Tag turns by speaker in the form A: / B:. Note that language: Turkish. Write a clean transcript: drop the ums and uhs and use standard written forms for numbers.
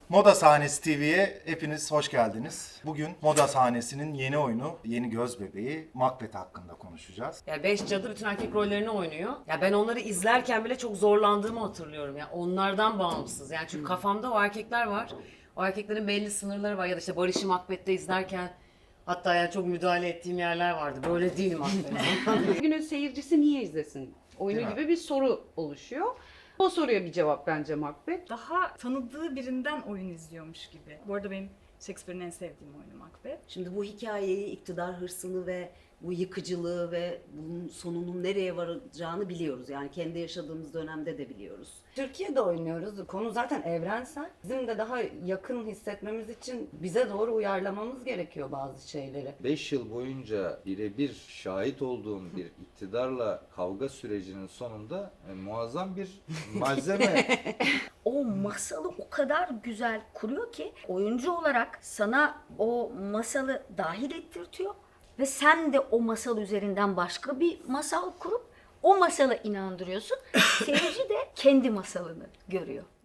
A: Moda Sahnesi TV'ye hepiniz hoş geldiniz. Bugün Moda Sahnesi'nin yeni oyunu, yeni göz bebeği Macbeth hakkında konuşacağız.
B: Ya 5 cadı bütün erkek rollerini oynuyor. Ya ben onları izlerken bile çok zorlandığımı hatırlıyorum. Ya onlardan bağımsız. Yani çünkü kafamda o erkekler var. O erkeklerin belli sınırları var. Ya da işte Barış'ı Macbeth'te izlerken hatta yani çok müdahale ettiğim yerler vardı. Böyle değil Macbeth.
C: Günün seyircisi niye izlesin? Oyunu
A: Değil mi?
C: gibi bir soru oluşuyor. O soruya bir cevap bence Macbeth.
D: Daha tanıdığı birinden oyun izliyormuş gibi. Bu arada benim Shakespeare'in en sevdiğim oyunu Macbeth.
E: Şimdi bu hikayeyi, iktidar hırsını ve bu yıkıcılığı ve bunun sonunun nereye varacağını biliyoruz. Yani kendi yaşadığımız dönemde de biliyoruz.
F: Türkiye'de oynuyoruz. Konu zaten evrensel. Bizim de daha yakın hissetmemiz için bize doğru uyarlamamız gerekiyor bazı şeyleri.
G: 5 yıl boyunca birebir şahit olduğum bir iktidarla kavga sürecinin sonunda muazzam bir malzeme.
H: O masalı o kadar güzel kuruyor ki oyuncu olarak sana o masalı dahil ettirtiyor ve sen de o masal üzerinden başka bir masal kurup o masala inandırıyorsun. Seyirci de kendi masalını görüyor.